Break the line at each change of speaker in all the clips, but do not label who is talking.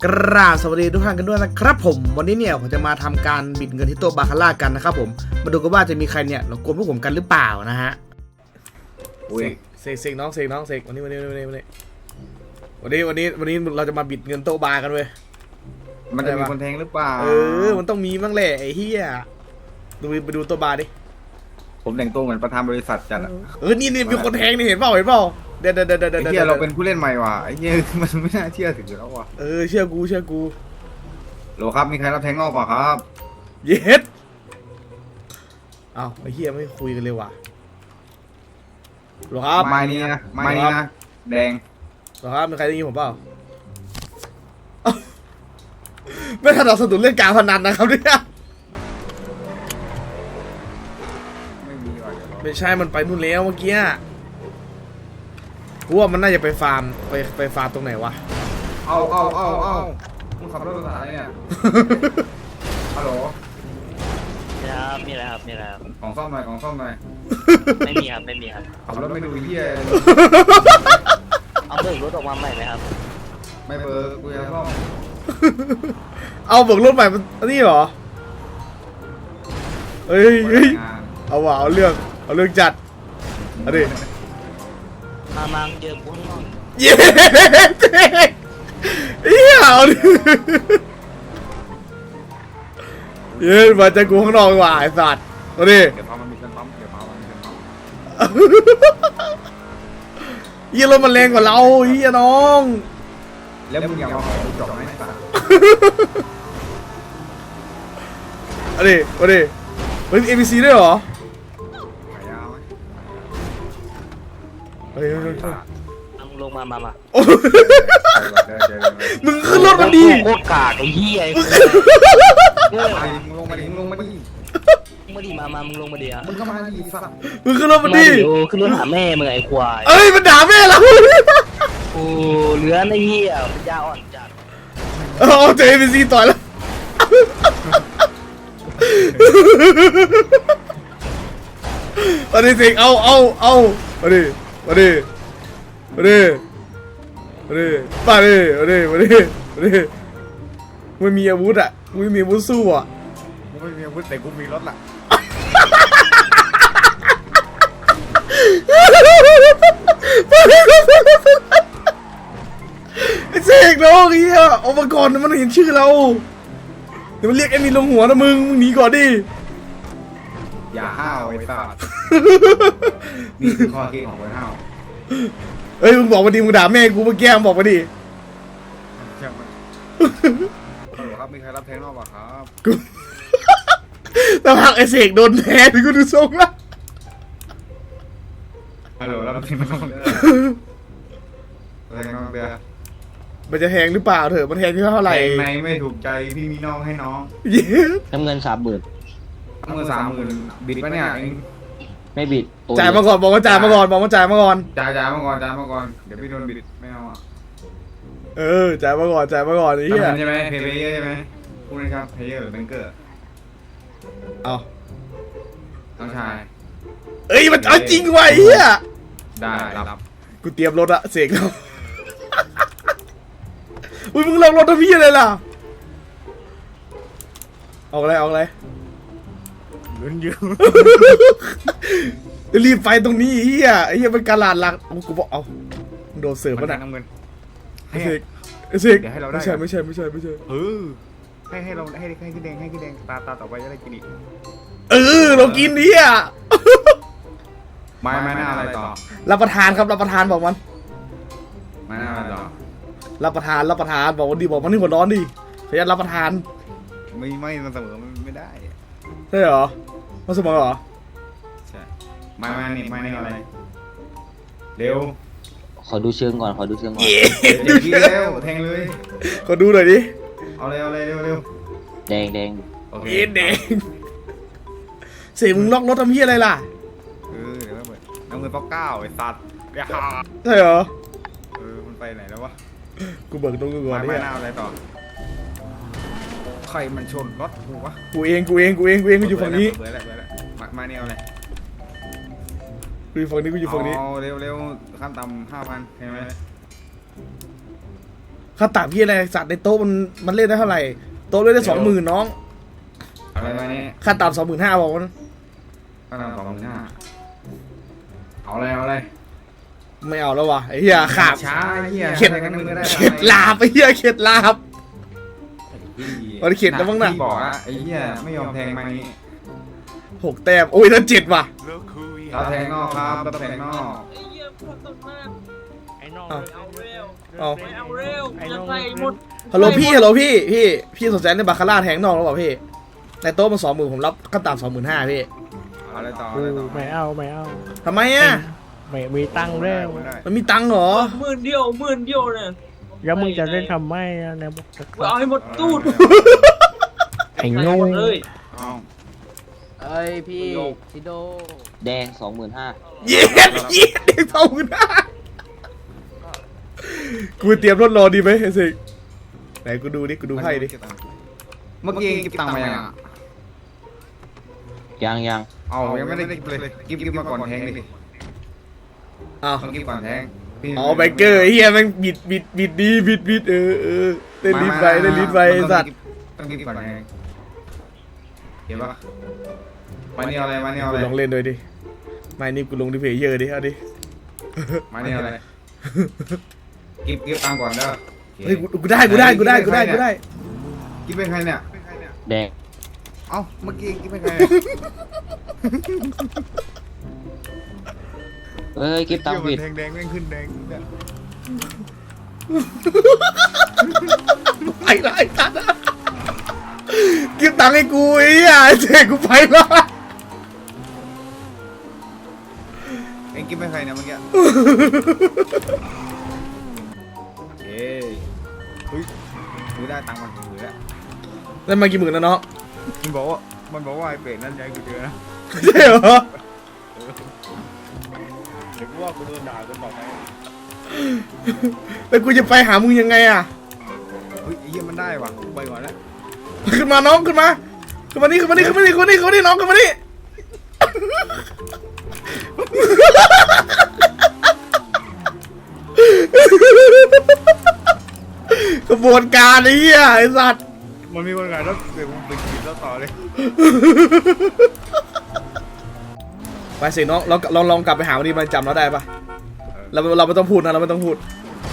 กราบสวัสดีทุกท่านกันด้วยนะครับผมวันนี้เนี่ยผมจะมาทำการบิดเงินที่โต๊ะบาคาร่ากันนะครับผมมาดูกันว่าจะมีใครเนี่ยหลงกลพวกผมกันหรือเปล่านะฮะเสกน้องเสกวันนี้เราจะมาบิดเงินโต๊ะบากันเว้ย
มันจะมีคนแทงหรือเปล่า
มันต้องมีบ้างแหละไอ้เหี้ยไปดูโต๊ะบาดิ
ผมแต่งตัวเหมือนประธานบริษัทจัดอ่ะ
นี่มีคนแทงนี่เห็นเปล่าเดี๋ยว
ไอ้เหี้ยเราเป็นผู้เล่นใหม่ว่ะไอ้เหี้ยมันไม่น่าเชื่อถือแล้วว่ะ
เชื่อกู
โหลครับมีใครรับแทงงอกเปล่าครับ
เย็ดอ้าวไอ้เหี้ยไม่คุยกันเลยว่ะหรอครับ
ไม้นี้นะแดง
หรอครับมีใครได้ยินผมเปล่าไม่ถนัดสนุนเล่นการพนันนะครับเนี่ยไม่ใช่มันไปนู่นแล้วเมื่อกี้กูว่ามันน่าจะไปฟาร์มไปฟาร์มตรงไหนวะ
เอามึงขับรถภาษาอะไรเนี่ยฮัลโหล
มีอะไรครับ
ของซ่อมหน่อย
ไม่มีครับ
ขับรถไม่ดูเหี้ย
เอาเบิกรถออกมาใหม่ไหมครับ
ไม่เบิกกูจะซ่อม
เอาเบิกรถใหม่นี่เหรอเฮ้ยเอาว่ะเอาเรื่องจัดเอาดิ
มาเจอกูข้างนอก
เย้เอาดิเย้มาเจอกูข้างนอกว่ะไอ้สัตว์เอาดิ
เดี๋ยวพามันมีเงินปั๊ม
เยี่ยรถมันแรงกว่าเราเยี่ยน้อง
แล้วมึงอยากมาขอกูจบไหมสัตว์
เอาดิเฮ้ย ABC ด้วยเหรอ
มึงลงมา
มึงขึ้นรถมันดี
โคตรกากไอ้เหี้ย
มึงลงมาดิ
มาดิมึงลงมาดิ
มึงก็มาดิสัตว์
มึงขึ้นรถมันดี
ขึ้นรถหาแม่มึงไอ้ควาย
มันด่าแม่เรา
โอ้เหลือไอ้เหี้ยมันยาอ่อนจัด
เจอ ABC ต่อยแล้วมาดิสิเอามาดิไม่มีอาวุธอ่ะไม่มีอาวุธสู้อ่ะ
ไม่มีอาวุธแต่กูมีรถล่ะ
ไอ้เสกน้องเฮียออกมาก่อนมันเห็นชื่อเราเดี๋ยวมันเรียกไอ้มีลงหัวนะมึงหนีก่อนดิ
อย่าห้าวไอ้สัตว์นี่คือข้อคิดของคนห้าว
มึงบอกมาดิมึงด่าแม่กูเมื่อกี้มึงบอกมาดิ
ครับมีใครรับแทงนอกป่ะครับ
กูแต่พักไอ้เสกโดนแทงกูดูทรงละ
ฮัลโหลรับแทงนอกแทงนอกเบียร์
มันจะแทงหรือเปล่าเถอะมันแทงที่เท่าไหร่
ในไม่ถูกใจพี่มีน้องให้น้อง
น้ำเงิน30,000
30,000บิดปะเนี่ย
ไม่บิด
จ่ายมาก่อนบอกว่าจ่ายมาก่อนจ่ายมาก่อน
จ่ายมาก่อนเดี๋ยวพี่โดนบิดไม่เอาอ่ะ
จ่ายมาก่อนไอ้เหี้ย
ใช่ไหมเพย์เยอร์ใช่ไหมพูดนะครับเพย์เยอร์หรือแบงเกอร์
เอา
น้องชาย
มันเอาจริงว่ะไอ้เหี้ย
ได้รับ
กูเตรียมรถอะเสกแล้วมึงลงรถทำพี่อะไรล่ะออกอะไร
ลุ้นอยู่
รีบไปตรงนี้เฮียเป็นการลาดหลักกูบอกเอาโดนเสิร์ฟป่ะนะ
น้ำเงิน
เสกไม่ใช่
ให้เราให้กินแดงตาต่อไปจะได้กินอีก
เรากินนี่อ่ะ
ไม่น่าอะไรต่อ
รับประทานครับรับประทานบอกมัน
ไม่น่าอะไรต่อ
รับประทานบอกวันดีบอกมันนี่หัวร้อนดิขยันรับประทาน
ไม่มันเสมอไม่ได้
ใช่เหรอมันเสมอเหรอ
ใช่ไม่อะไรเร็ว
ขอดูเชิงก่อน
ดู
เร็วแทงเลย
ขอดูหน่อยดิ
เอาเร็ว
แดง
โอเค
แดงเสียมึงล็อกรถทำเหี้ยอะไรล่ะ
เดี๋ยวน้ำเงินป๊อก9ไอ้สัตว์
ใช่เหรอ
มันไปไหนแล้ววะ
กูเบิกตรงกูก่อน
ไม่น่าอะไรต่อใครมันชนรถกูวะ
กูเองกูอยู่ฝั่งนี้
มาเนี่ยอะไร
กูอยู่ฝั่งนี้
เร็วขั้นต่ำ5,000เห็นไหม
ค่าต่างพี่อะไรสัตว์ในโต๊ะมันเล่นได้เท่าไหร่โต๊ะเล่นได้20,000น้อง
อะไรมาเนี่ย
ค่าต่ำ25,000บอกมัน
ก็นำ25,000เอาอะไร
ไม่เอาแล้ววะไอ้เหี้ยขาบ
ช้าเหี้ย
เข็ด
กันมึงก็ได้
เข็ดลาบไอ้เหี้ยเข็ดลาบ มันเข็ดแล้วมั้งน่ะ
พี่บอกอะไอ้เหี้ยไม่ยอมแทงมานี้
6 แต้มโอ้ยถ้า7ว่ะ
เราแทงนอกครับเราแทงนอก
ไอ้เหี้ยพวกตกมาก
ไอ้น้อง
เอา
เอาเร็ว
เอา
ไม่เอาเร็วจะใส่หมด
ฮัลโหลพี่สนใจในบาคาร่าแทงนอกหรือเปล่าพี่ในโต๊ะมัน20,000ผมรับขั้นต่ำ25,000พี่
อะไรต่อ
กู
อะไรต่อ
ไม่เอา
ทำไมอ่ะ
ไม่มีตังค์แล้ว
มันมีตังค์เหรอ
หมื่นเดียวเนี่ย
แล้วมึงจะเล่นทำไมอะเนี่ยบอก
กูเอาให้หมดตู้ด
ไอ้โง่
หมดเลย
เอา
เอ้ยพี่ชิโดแดง25,000
เย็ดเด็ก25,000กูเตรียมรถรอดีไหมไอ้สิไหนกูดูดิกูดูไพ่ดิ
เมื่อกี้เก็บตังค์มายังอะ
ยัง
เอายังไม่ได้กิบเลยกิบมาก่อนแทงดิ
อ้าว
ต้องกิบก่อนแทง
อ๋อแบงเกอร์ไอ้เฮียแม่งบิดดีบิดเต้นลิ้นไปไอ้สัตว์
ต้องกิบก่อนแทงเห็นปะมาเนี่ยอะไร
กูลองเล่นด้วยดิไม่นี่กูลงดิเพย์เยอร์ดิเอาดิ
มาเนี่ยอะไรกิบตังค์ก่อนเด้อ
เฮ้ยกูได้กิบ
เป็นใครเนี่ย
แดง
เอ้าเมื่อกี้กิบเป็นใคร
เอ้ยกิฟตังค์ผิด
แดงแม่งขึ้นแดง
ไปละไอ้สัตว์กิบตังค์ให้กูไอ้เหี้ยเจ๊กูไปละ
เอ็งกิบเป็นใครเนี่ยเมื่อกี้เฮ้ยกูได้ตังค์มันถือแล้ว
แล้วมากี่หมื่นแล้วเนาะ
มันบอกว่าไอ้เป็ดนั่นใจกูเจอนะ
ใช่เหรอ
เดี๋ยวกูว่ากูโดนด่าจนบอกไป
แล้วกูจะไปหามึงยังไงอ่ะ
เฮ้ยไอ้เหี้ยมันได้ว่ะกูไปก่อนแล้ว
ขึ้นมาน้องขึ้นมานี่น้องขึ้นมานี่กระบวนการไอ้เหี้ยไอ้สัตว์
มันมีคนขายแล้วเดี๋ยวกูไปกินแล้วต่อเลย
ไปสิน้องเราลองกลับไปหาวันนี้มันจำเราได้ปะเราไม่ต้องพูดนะเราไม่ต้องพูด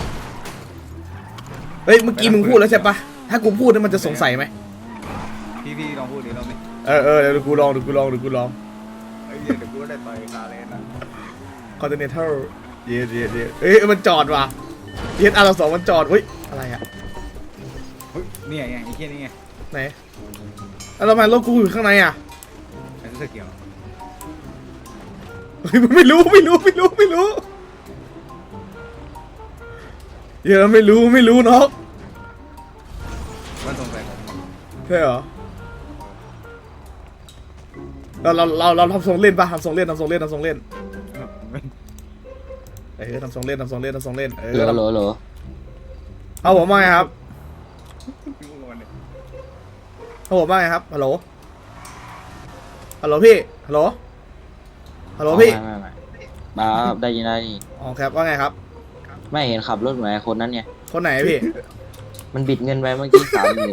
เฮ้ยเมื่อกี้มึงพูดแล้วใช่ปะถ้ากูพูดนี่มันจะสงสัยไหม
พี่ลองพูดดิลองดิ
เดี๋ยวกูลอง
ไอ้เหี้ยเดี๋ยวกูได้ต่อยคาเลนนะ
Continental เย็ดเอ้ยมันจอดว่ะเย็ดR2มันจอดเฮ้ยอะไรอะ
เฮ้ยเนี่ยไงไอ้เหี้ยนี่ไง
ไหนแล้วทำไมรถกูอยู่ข้างในอ่ะ
ไอ้เสื้อเขียว
เฮ้ยมันไม่รู้เดี๋ยวไม่รู้น้อง
มันสงสัยผม
ใช่เหรอเราทำทรงเล่นปะทำทรงเล่นเออทำทรงเล่น
เหรอ
เอาผมว่าไงครับฮัลโหลพี่ฮัลโหลพี่
ไม่มาได้ยิน
อ๋อครับว่าไงครับ
ไม่เห็นขับรถเหมือนไอ้คนนั้นไง
คนไหนพี่
มันบิดเงินไปเมื่อกี้30,000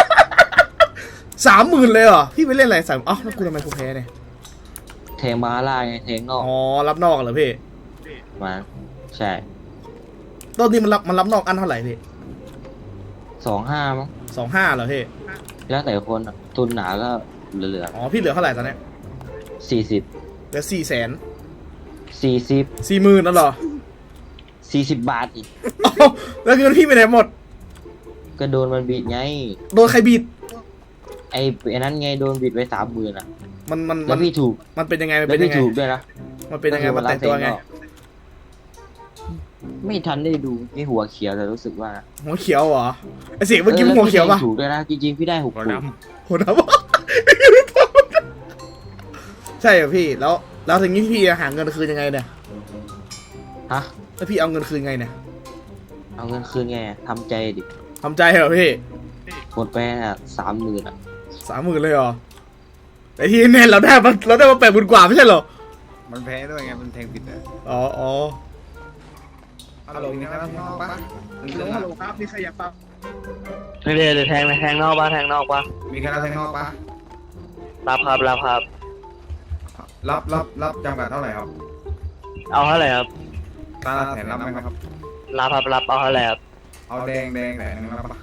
30,000เลยเหรอพี่ไปเล่นอะไรอ๋อแล้วกูทำไมกูแพ้เนี่ย
แทงบาร่าไงแทงนอก
อ๋อรับนอกเหรอพี่
มาใช่
ตอนนี้มันรับนอกอันเท่าไหร่พี่
25มั้ง
25เหรอพี่
แล้วแต่คนอะทุนหนาก็เหลือ
อ๋อพี่เหลือเท่าไหร่ตอนเนี้ย
40
เหลือ
40
40,000นั่นเหรอ
40 บาทอีก
อ้าวแล้วเงินพี่ไปไหนหมด
ก็โดนมันบิดไง
โดนใครบีด
ไอ้นั้นไงโดนบิดไป30,000อ่ะ
มัน
แล้วพี่ถูก
มันเป็นยังไงมัน
แล้
เป็
วน
ยั
พี่
งไง
ถูกด้วยนะ
มันเป็นยังไงมันแต่งตัวไง
ไม่ทันได้ดูนี่หัวเขียวแต่รู้สึกว่า
หัวเขียวเหรอไอเสียงเมื่อกี้มันหัวเขียวปะ
แล้พี่ถูกด้วยนะจริงๆพี่ได้6
หัว
ถูก
ดำ
หัวดำใช่เหรอพี่แล้วทีนี้พี่หาเงินคืนยังไงเนี่ย
ฮะ
แล้วพี่เอาเงินคืนไงเนี่ย
เอาเงินคืนไงทำใจดิ
ทำใจเหรอพี่
หมดไปอ่ะ30,000อ่ะ
30,000เลยเหรอแต่ที่แน่เราได้มา80,000 กว่าไม่ใช่เหรอ
มันแพ้ด้วยไงมันแทงผิดอ่ะ
อ๋อ
ฮัลโหลมีใครรับนอกปะ
ฮัลโหลครับมีใครอยากฟัง
เดี๋ยวแทงนอกปะแทงนอกปะ
มีใครรับแทงนอกปะ
รับครับรับครับ
รับจำกัดเท่าไหร่ครับ
เอาเท่าไหร่ครับ
ตาละแสนรับไหมครับ
รับครับรับเอาเท่าไหร่ครับ
เอาแดงแสนนึงรับปะ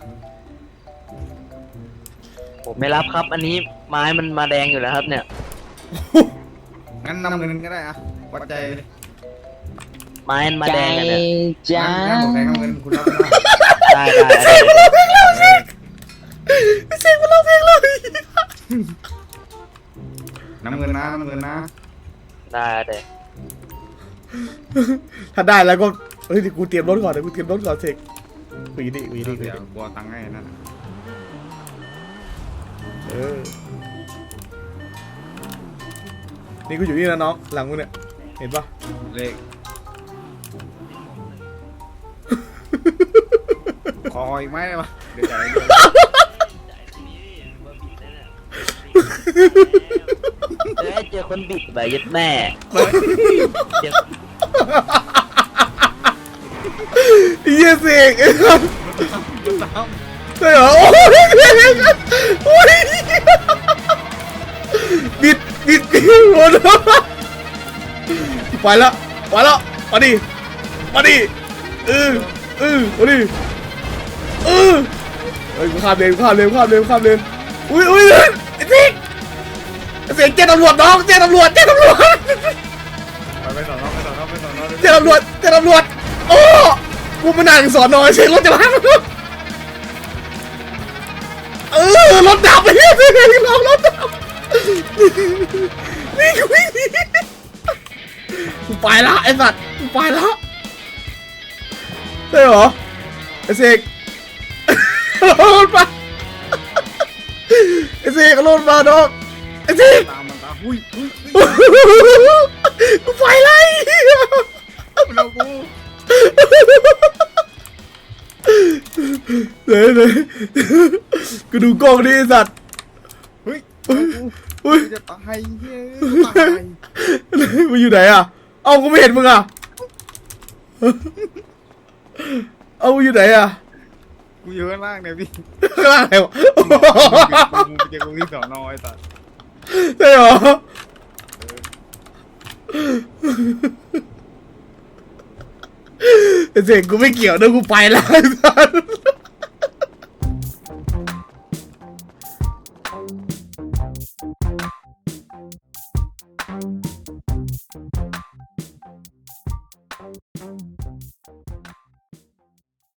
ผมไม่รับครับ อันนี้ไม้มันมาแดงอยู่แล้วครับเนี่ย
งั้นนำเงินก็ได้อะวัดใจเลย
ไม้มันมาแดงกันเนี่ย
งั้นผมแทงเงินคุณรับได้
ได้ได้
เสกมาร้องเพลงเลย
น้ำเงินนะ
ได้เดี๋ยว
ถ้าได้แล้วก็เฮ้ยเดี๋ยวกูเตรียมรถก่อนเดี๋ยวกูเตรียมรถก่อนเสกหวีดิ
เดี๋ยวบัวตังค์ให้นั่น
นี่กูอยู่นี่นะน้องหลังกูเนี่ยเห็นปะ
เลขขออีกไหมได้ปะเดี๋ยวจ่าย
เจอคนบิดแบบยัดแม่เจอ
เยี่ยเสกใช่เหรอโอ้ยโอ้ยบิดหมดไปแล้วมาดิมาดิเฮ้ยกูข้ามเลนอุ้ยไอ้เสียงเจ๊ตำรวจน้องเจ๊ตำรวจ
ไปต่อ
เจ๊ตำรวจโอ้กูมานั่งสอนนอยเสียงรถจะพังรถดับไปรถดับนี่กูวิ่งหนีกูไปละไอ้สัตว์กูไปละใช่เหรอไอ้เสกรถมาไอ้เสกรถมาน้องไอ้เสก
ตามมันตามหุ้ย
กูไปไล่
เรากู
เลยกูดูกล้องดิไอ้สัตว์
เฮ้ย
อุ้ย
จะตายเฮ้ยตาย
มึงอยู่ไหนอ่ะเอ้ากูไม่เห็นมึงอ่ะเอ้ามึงอยู่ไหนอ่ะ
กูอยู่ข้างล่างเนี่ยพี่
ข้างล่างไหนวะ
กูจะกูที่สอนอไอ้สัส
ใช่เหรอไอ้เสกกูไม่เกี่ยวนะกูไปแล้วไอ้สัตว์